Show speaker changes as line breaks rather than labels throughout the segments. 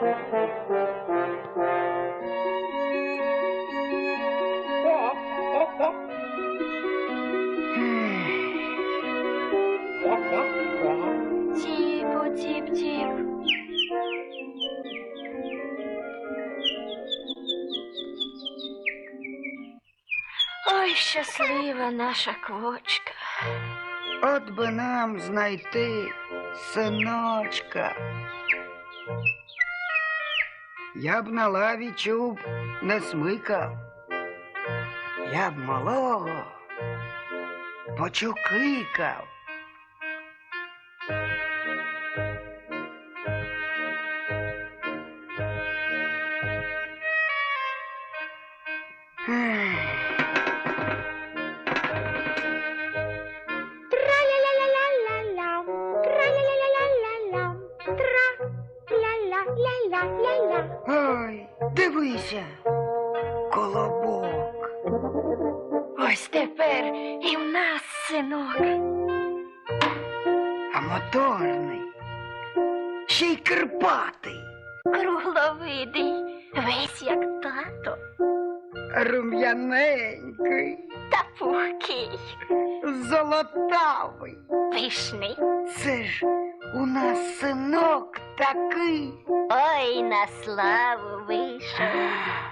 Тіп-тіп-тіп. Ой, щаслива наша квочка.
От би нам знайти синочка. Я б на лаві чуб не смикав. Я б малого почукикав.
Тра-ля-ля-ля-ля-ля-ля, тра-ля-ля-ля-ля-ля-ля, тра-ля-ля-ля-ля-ля.
Ой, дивися, колобок.
Ось тепер і в нас синок.
А моторний, ще й кирпатий,
Кругловидий, весь як тато,
рум'яненький,
та пухкий,
золотавий.
пишний.
Це ж у нас синок такий.
Ой, на славу вийшов.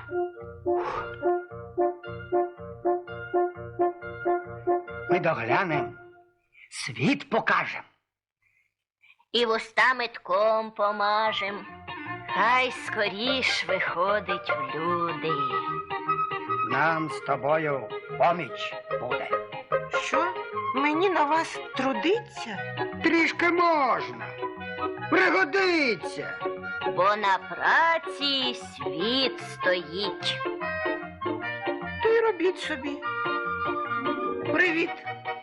Ми доглянем, світ покажем.
І вуста метком помажем, хай скоріш виходить в люди.
Нам з тобою поміч буде.
Що? Мені на вас трудиться?
Трішки можна. Пригодиться.
Бо на праці світ стоїть.
То й робіть собі. Привіт.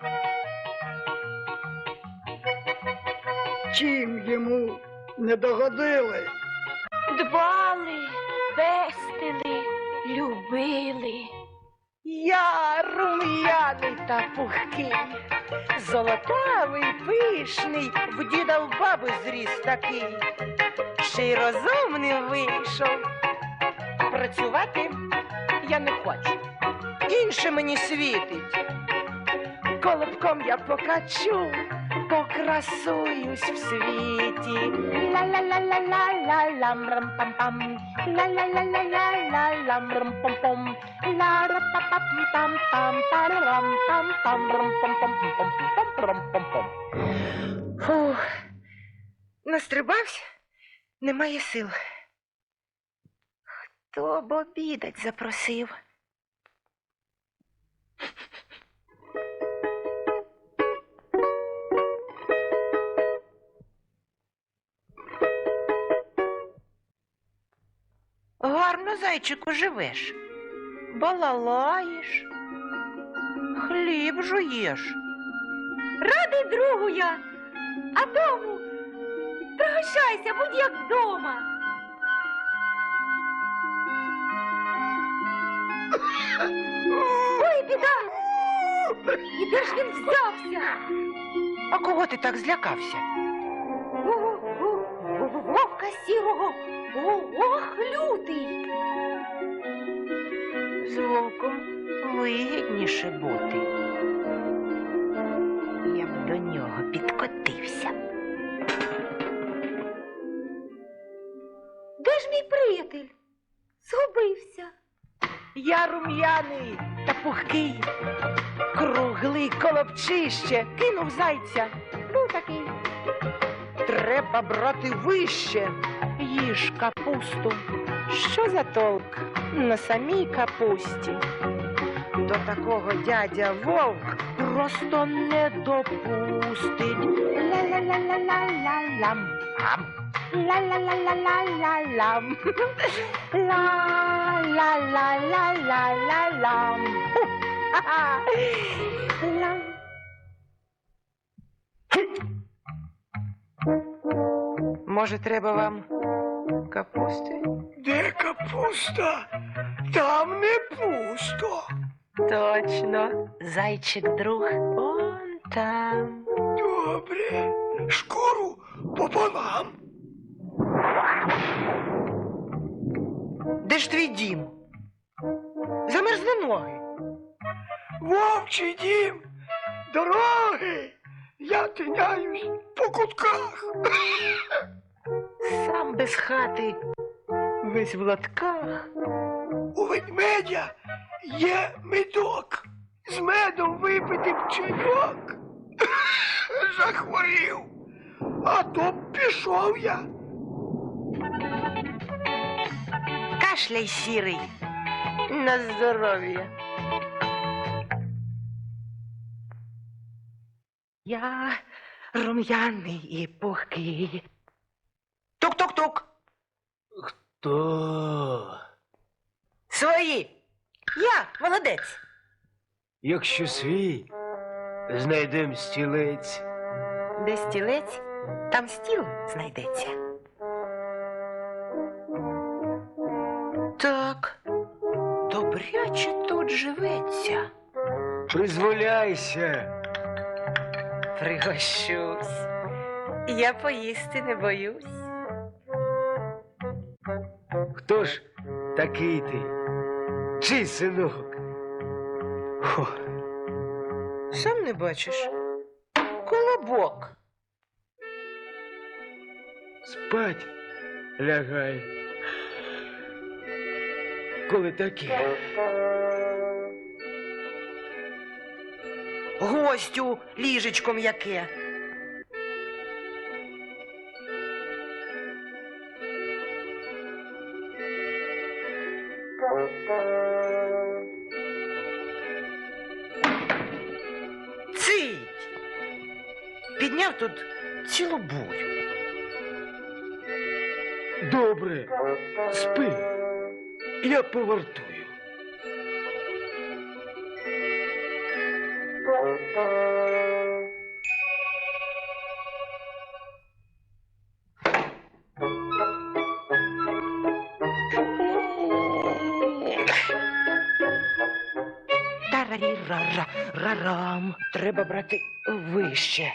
Чим йому не догодили?
Дбали, пестили, любили.
Я рум'яний та пухкий, золотавий, пишний, в діда в баби зріс такий. Ще й розумним вийшов. Працювати я не хочу. Інше мені світить. Колобком я покачу, покрасуюсь в світі. Ла-ла-ла-ла-ла-ла-лам рам-пам-пам. Ла-ла-ла-ла-ла-ла-лам рам-пам-пам. Ла-ра-па-пам-пам-пам, та-рам-пам-пам, рам-пам-пам-пам-пам-пам-пам. Фух, настрибався, немає сил. Хто б обідать запросив? Гарно, зайчику, живеш. Балалаєш, хліб жуєш.
Радий другу я, а дому пригощайся, будь як вдома. Ой, біда! І де ж він взявся?
А кого ти так злякався?
Вовка сірого, ох, лютий.
З вовком вигідніше бути. Я б до нього підкотився.
Де ж мій приятель? Згубився.
Я рум'яний та пухкий, круглий колобчище, кинув зайця.
Був такий.
Треба брати вище, їж капусту. Що за толк на самій капусті? До такого дядя вовк просто не допустить. Ла-ла-ла-ла-ла-ла-лам. Ам. Ла-ла-ла-ла-ла-ла-лам. Ла-ла-ла-ла-ла-ла-лам. Ха-ха. Лам. Може, треба вам капусти?
Де капуста? Там не пусто.
Точно, зайчик-друг он там.
Добре. Шкуру пополам.
Де ж твій дім? Замерзли ноги.
Вовчий дім, дороги, я тиняюсь по кутках.
Сам без хати, весь в латках.
У ведмедя є медок, з медом випити б чайок. Захворів, а то б пішов я.
Кашляй, сірий. На здоров'я. Я рум'яний і пухкий. Тук-тук-тук.
То,
Свої. Я, молодець.
якщо свій, знайдем стілець.
Де стілець, там стіл знайдеться. Так, добряче тут живеться.
Призволяйся.
Пригощусь. Я поїсти не боюсь.
Хто ж такий ти? Чий синок? Хо,
Сам не бачиш? Колобок.
спать лягай. Коли таке?
Гостю ліжечко м'яке. Цить! Підняв тут цілу бурю.
Добре, спи. Я повартую.
Тарарі-ра-ра-рарам. Треба брати вище.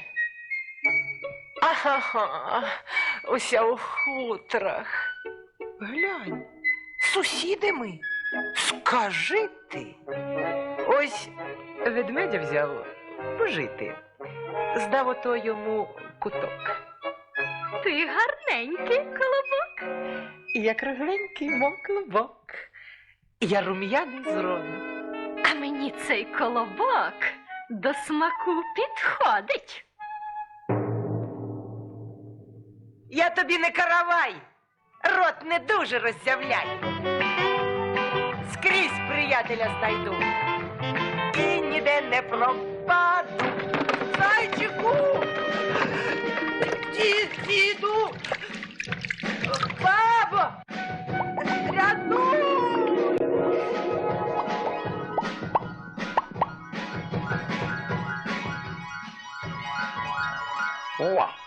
Ага, уся у хутрах. Глянь, сусіди ми. Скажи ти. Ось ведмедя взяв пожити. Здав ото йому куток.
Ти гарненький, колобок.
Я кругленький, мов клубок. Я рум'яний з роду.
А мені цей колобок до смаку підходить.
Я тобі не каравай, рот не дуже роззявляй. Скрізь приятеля знайду і ніде не пропаду. Зайчику! Діду! Бабо! Рятуй!
О!